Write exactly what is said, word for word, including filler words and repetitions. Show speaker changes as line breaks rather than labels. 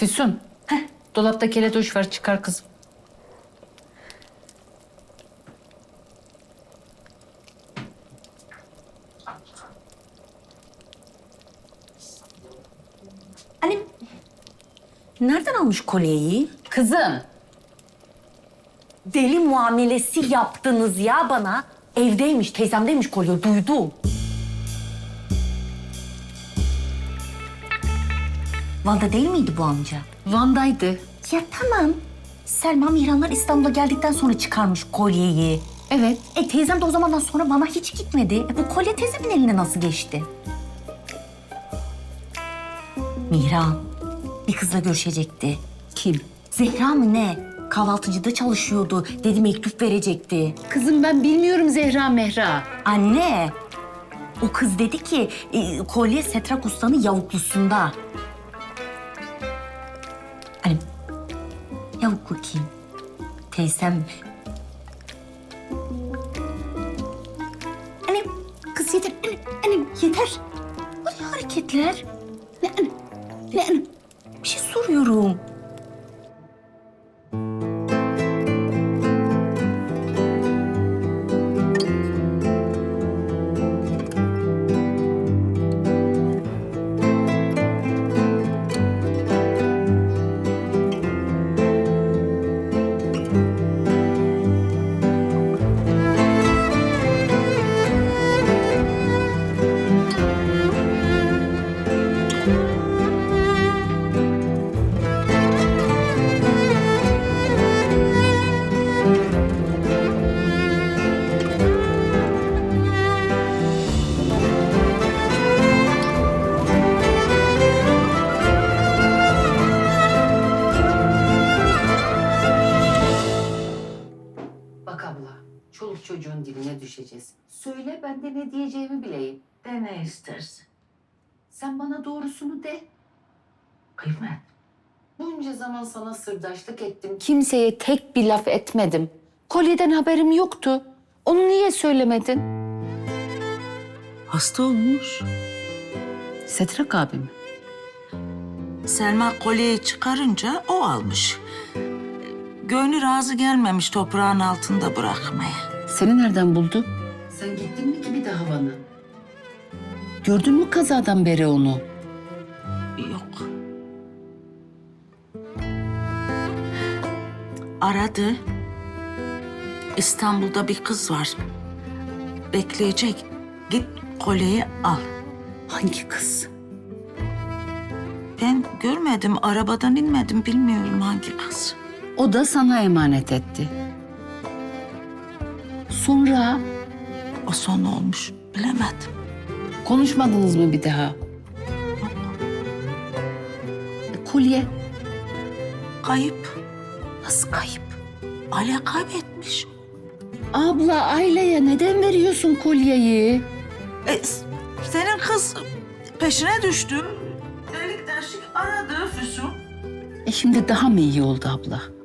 Füsun. Heh. Dolapta keletoş var, çıkar kızım.
Annem nereden almış kolyeyi?
Kızım.
Deli muamelesi yaptınız ya bana. Evdeymiş, teyzemdeymiş kolye, duydum. Van'da değil miydi bu amca?
Van'daydı.
Ya tamam. Selma Mihranlar İstanbul'a geldikten sonra çıkarmış kolyeyi.
Evet.
E teyzem de o zamandan sonra Van'a hiç gitmedi. E, bu kolye teyzemin eline nasıl geçti? Mihran bir kızla görüşecekti.
Kim?
Zehra mı ne? Kahvaltıcıda çalışıyordu. Dedi mektup verecekti.
Kızım ben bilmiyorum Zehra Mehra.
Anne, o kız dedi ki e, kolye Setrak Usta'nın yavuklusunda. Annem, yavuklu kim? Teyzem mi? Annem, kız yeter. Annem, annem yeter. Bu ne hareketler? Ne annem? Ne annem? Bir şey soruyorum.
Bak abla, çoluk çocuğun diline düşeceğiz. Söyle ben de ne diyeceğimi bileyim.
De ne istersin?
Sen bana doğrusunu de.
Kıymet.
Bunca zaman sana sırdaşlık ettim. Kimseye tek bir laf etmedim. Kolyeden haberim yoktu. Onu niye söylemedin?
Hasta olmuş.
Setrak abi mi?
Selma kolyeyi çıkarınca o almış. Gönlü razı gelmemiş toprağın altında bırakmaya.
Seni nereden buldu? Sen gittin mi ki bir daha Van'a? Gördün mü kazadan beri onu?
Yok. Aradı. İstanbul'da bir kız var. Bekleyecek. Git kolyeyi al.
Hangi kız?
Ben görmedim, arabadan inmedim. Bilmiyorum hangi kız.
O da sana emanet etti. Sonra
O son olmuş. Bilemedim.
konuşmadınız mı bir daha? E, kolye
Kayıp.
nasıl kayıp?
Ale kaybetmiş.
Abla Ayla'ya neden veriyorsun kolyeyi?
E, s- senin kız peşine düştü. Delik deşik aradı Füsun.
E şimdi daha mı iyi oldu abla?